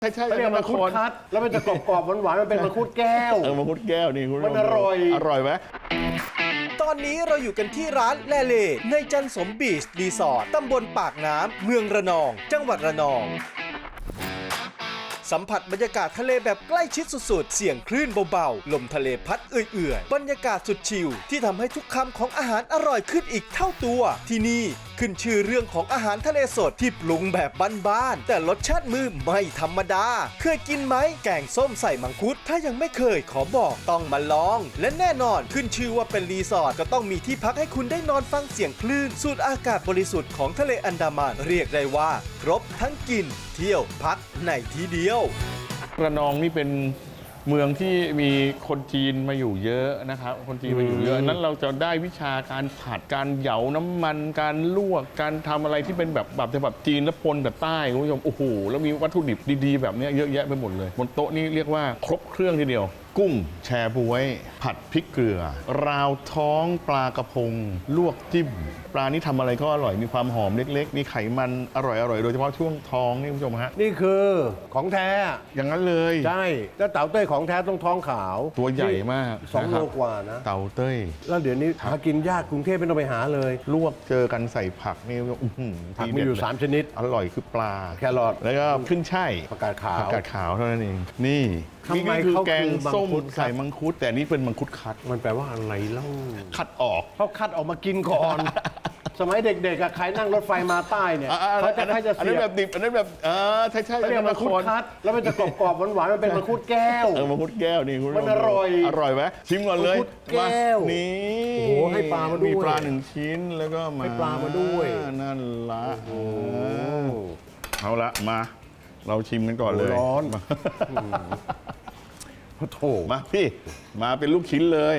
ใช่เรียกมังคุดคัดแล้วมันจะกรอบๆหวานๆมันเป็นมังคุดแก้วมังคุดแก้วนี่คุณมันอร่อยไหมตอนนี้เราอยู่กันที่ร้านแลเล่ในจันสมบีชรีสอร์ทตำบลปากน้ำเมืองระนอง จังหวัดระนองสัมผัสบรรยากาศทะเลแบบใกล้ชิดสุดๆเสียงคลื่นเบาๆลมทะเลพัดเอื่อยๆบรรยากาศสุดชิลที่ทำให้ทุกคำของอาหารอร่อยขึ้นอีกเท่าตัวที่นี่ขึ้นชื่อเรื่องของอาหารทะเลสดที่ปรุงแบบบ้านๆแต่รสชาติมือไม่ธรรมดาเคยกินไหมแกงส้มใส่มังคุดถ้ายังไม่เคยขอบอกต้องมาลองและแน่นอนขึ้นชื่อว่าเป็นรีสอร์ทก็ต้องมีที่พักให้คุณได้นอนฟังเสียงคลื่นสูดอากาศบริสุทธิ์ของทะเลอันดามันเรียกได้ว่าครบทั้งกินเที่ยวพักในที่เดียวระนองนี่เป็นเมืองที่มีคนจีนมาอยู่เยอะนะครับคนจีนมาอยู่เยอะนั้นเราจะได้วิชาการผัดการเหยาน้ำมันการลวกการทำอะไรที่เป็นแบบจีนและปนแบบใต้คุณผู้ชมโอ้โหแล้วมีวัตถุดิบดีๆแบบนี้เยอะแยะไปหมดเลยบนโต๊ะนี่เรียกว่าครบเครื่องทีเดียวกุ้งแชบ๊วยผัดพริกเกลือราวท้องปลากระพงลวกจิ้มปลานี่ทำอะไรก็อร่อยมีความหอมเล็กๆมีไขมันอร่อยๆโดยเฉพาะช่วงท้องนี่คุณผู้ชมฮะนี่คือของแท้อย่างนั้นเลยใช่แล้วเต่าเต้ยของแท้ต้องท้องขาวตัวใหญ่มาก 2 โลกว่านะเต่าเต้ยแล้วเดี๋ยวนี้หากินยากกรุงเทพไม่ต้องไปหาเลยลวกเจอกันใส่ผักนี่ผักมีอยู่3 ชนิดอร่อยคือปลาแครอทแล้วก็ขึ้นช่ายผักกาดขาวเท่านั้นเองนี่คือแกงส้มใส่มังคุดแต่นี่เป็นมังคุดคัดมันแปลว่าอะไรเล่าคัดออกเขาคัดออกมากินก่อน สมัยเด็กๆใครนั่งรถไฟมาใต้เนี่ยเขาจะให้จะเสียอันนั้นแบบดิบอันนั้นแบบใช่เรียกมังคุดคัดแล้วมันจะกรอบๆหวานๆมันเป็นมังคุดแก้วมังคุดแก้วนี่คุณมันอร่อยไหมชิมก่อนเลยมังคุดแก้วนี่โอ้โหให้ปลามาด้วยมีปลา1 ชิ้นแล้วก็ให้ปลามาด้วยนั่นละเอาละมาเราชิมกันก่อนเลยร้อนโถมาพี่มาเป็นลูกชิ้นเลย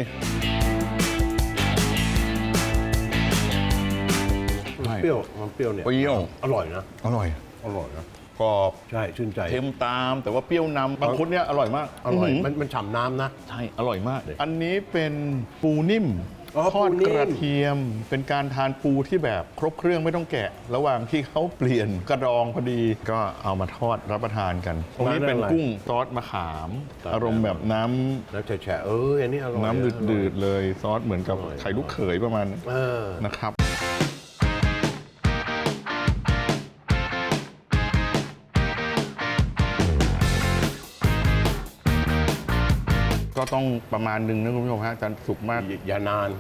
เปรี้ยวมันเปรี้ยวเนี่ยเปรี้ยวอร่อยนะอร่อยนะกรอบใช่ชื่นใจเค็มตามแต่ว่าเปรี้ยวนำมังคุดเนี่ยอร่อยมากอร่อยมันฉ่ำน้ำนะใช่อร่อยมากอันนี้เป็นปูนิ่มทอดกระเทียมเป็นการทานปูที่แบบครบเครื่องไม่ต้องแกะระหว่างที่เขาเปลี่ยนกระดองพอดีก็เอามาทอดรับประทานกันตรงนี้เป็นกุ้งซอสมะขามอารมณ์แบบน้ำแฉะอันนี้อร่อยน้ำดืดๆเลยซอสเหมือนกับไข่ลูกเขยประมาณนะครับก็ต้องประมาณนึงนะคุณผู้ชมฮะจะสุกมากอย่านาน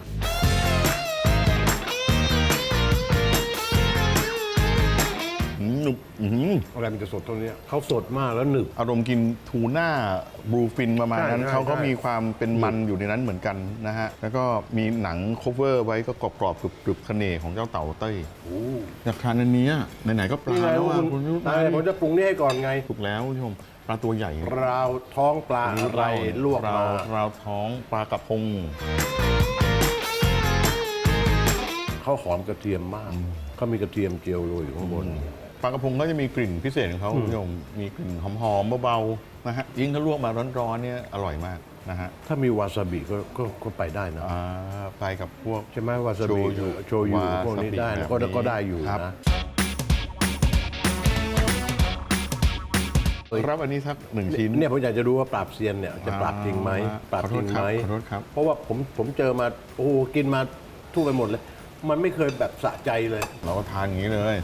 หนึบอะไรมันจะสดตรงนี้เขาสดมากแล้วหนึบอารมณ์กินทูน่าบลูฟินประมาณนั้นเขาก็มีความเป็นมันอยู่ในนั้นเหมือนกันนะฮะแล้วก็มีหนังโคเวอร์ไว้ก็กรอบๆกรึบๆเสน่ห์ของเจ้าเต่าเต้ยอยากทานอันนี้ไหนๆก็ปลาแล้วคุณผมจะปรุงนี่ให้ก่อนไงถูกแล้วคุณผู้ชมปลาตัวใหญ่ราวท้องปลาอะไรลวกมาราวท้องปลากระพงเขาหอมกระเทียมมากเขามีกระเทียมเจียวโรยอยู่ข้างบนปลากระพงก็จะมีกลิ่นพิเศษของเขาคุณผู้ชมมีกลิ่นหอมๆเบาๆนะฮะยิ่งถ้าลวกมาร้อนๆเนี่ยอร่อยมากนะฮะถ้ามีวาซาบิก็ไปได้นะไปกับพวกใช่ไหมวาซาบิโชยุพวกนี้ได้ก็ได้อยู่นะครับอันนี้สัก1 ชิ้นเนี่ยผมอยากจะรู้ว่าปราบเซียนเนี่ยจะปราบจริงไหมปราบจริงไหมเพราะว่าผมเจอมาโอ้กินมาทั่วไปหมดเลยมันไม่เคยแบบสะใจเลยเราก็ทานอย่างนี้เลย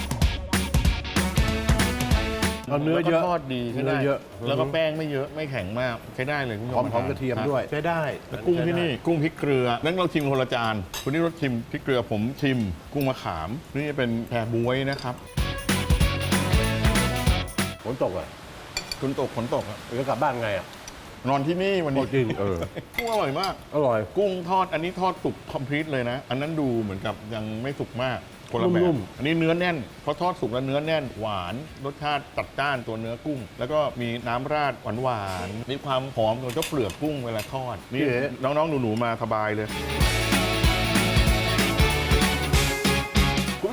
เนื้อเยอะทอดดีใช้ได้แล้วก็แป้งไม่เยอะไม่แข็งมากใช้ได้เลยคุณผู้ชมหอมกระเทียมด้วยใช้ได้แล้วกุ้งที่นี่กุ้งพริกเกลือนั้นเราชิมคนละจานคุณนี่รสชิมพริกเกลือผมชิมกุ้งมะขามนี่เป็นแพรบ๊วยนะครับฝนตกอ่ะฝนตกจะกลับบ้านไงอ่ะนอนที่นี่วันนี้จริงกุ้งอร่อยมากอร่อยกุ้งทอดอันนี้ทอดสุกคอมพลีทเลยนะอันนั้นดูเหมือนกับยังไม่สุกมากคนละแบบอันนี้เนื้อแน่นเพราะทอดสุกแล้วเนื้อแน่นหวานรสชาติจัดจ้านตัวเนื้อกุ้งแล้วก็มีน้ำราดหวานมีความหอมของเจ้าเปลือกกุ้งเวลาทอดนี่น้องๆหนูๆมาสบายเลยคุณผู้ช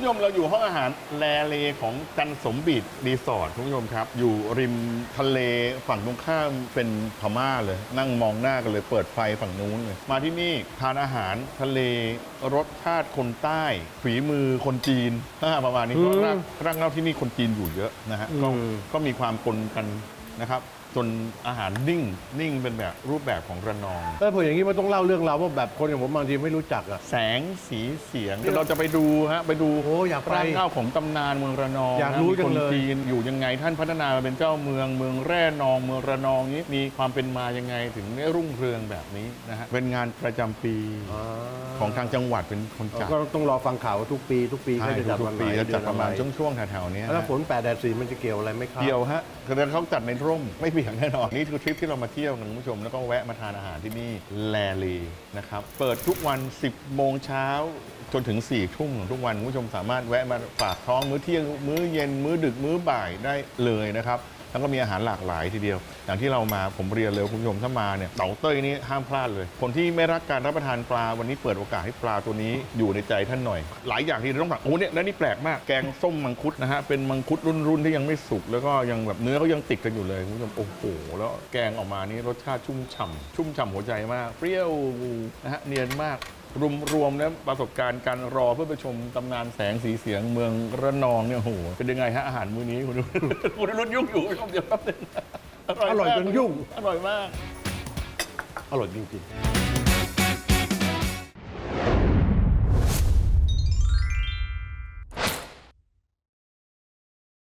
ผู้ชมเราอยู่ห้องอาหารแลเลของจันสมบีดรีสอร์ทคุณผู้ชมครับ อยู่ริมทะเลฝั่งตรงข้ามเป็นพม่าเลย นั่งมองหน้ากันเลยเปิดไฟฝั่งนู้นเลย มาที่นี่ทานอาหารทะเลรสชาติคนใต้ ฝีมือคนจีนประมาณนี้เพราะรากเหง้าที่นี่คนจีนอยู่เยอะนะฮะก็มีความปนกันนะครับ จนอาหารนิ่งเป็นแบบรูปแบบของระนองแล้วพออย่างนี้มันต้องเล่าเรื่องราวว่าแบบคนอย่างผมบางทีไม่รู้จักอ่ะแสงสีเสียงเราจะไปดูฮะไปดูโอ้อยากไปรากเหง้าของตำนานเมืองระนองอยากรู้นะมีจัคงนเลยจีนอยู่ยังไงท่านพัฒนามาเป็นเจ้าเมืองแร่นองเมืองระนองนี้มีความเป็นมายังไงถึงได้รุ่งเรืองแบบนี้นะฮะเป็นงานประจำปีของทางจังหวัดเป็นคนจัดก็ต้องรอฟังข่าวว่าทุกปีเขาจะจัดทุวักนไหนปีจะจัดประมาณเอนอช่วงแถวๆเนี้ยแล้วฮะฝน8 แดด 4มันจะเกี่ยวอะไรไหมครับเดียวฮะคือเขาจัดในร่มไม่เปียกแน่นอนนี่คือทริปที่เรามาเที่ยวกันคุณผู้ชมแล้วก็แวะมาทานอาหารที่นี่แลลีนะครับเปิดทุกวัน 10 โมงเช้าจนถึง 4 ทุ่มของทุกวันคุณผู้ชมสามารถแวะมาฝากท้องมื้อเที่ยงมื้อเย็นมื้อดึกมื้อบ่ายได้เลยนะครับแล้วก็มีอาหารหลากหลายทีเดียวอย่างที่เรามาผมเรียนเลยคุณผู้ชมถ้ามาเนี่ยเต๋าเต้ยนี่ห้ามพลาดเลยคนที่ไม่รักการรับประทานปลาวันนี้เปิดโอกาสให้ปลาตัวนี้อยู่ในใจท่านหน่อย หลายอย่างที่เราต้องสั่งโอ้เนี่ยแล้วนี่แปลกมากแกงส้มมังคุดนะฮะเป็นมังคุดรุ่นที่ยังไม่สุกแล้วก็ยังแบบเนื้อเขายังติดกันอยู่เลยคุณผู้ชมโอ้โหแล้วแกงออกมานี่รสชาติชุ่มฉ่ำหัวใจมากเปรี้ยวนะฮะเนียนมากรวมแล้วประสบการณ์การรอเพื่อไปชมตำนานแสงสีเสียงเมืองระนองเนี่ยโอ้โหเป็นยังไงฮะอาหารมื้อนี้คุณรุ่นยุ่งอยู่คุณผู้ชมเดี๋ยวแป๊บนึงอร่อยจนยุ่งอร่อยมากอร่อยจริงๆ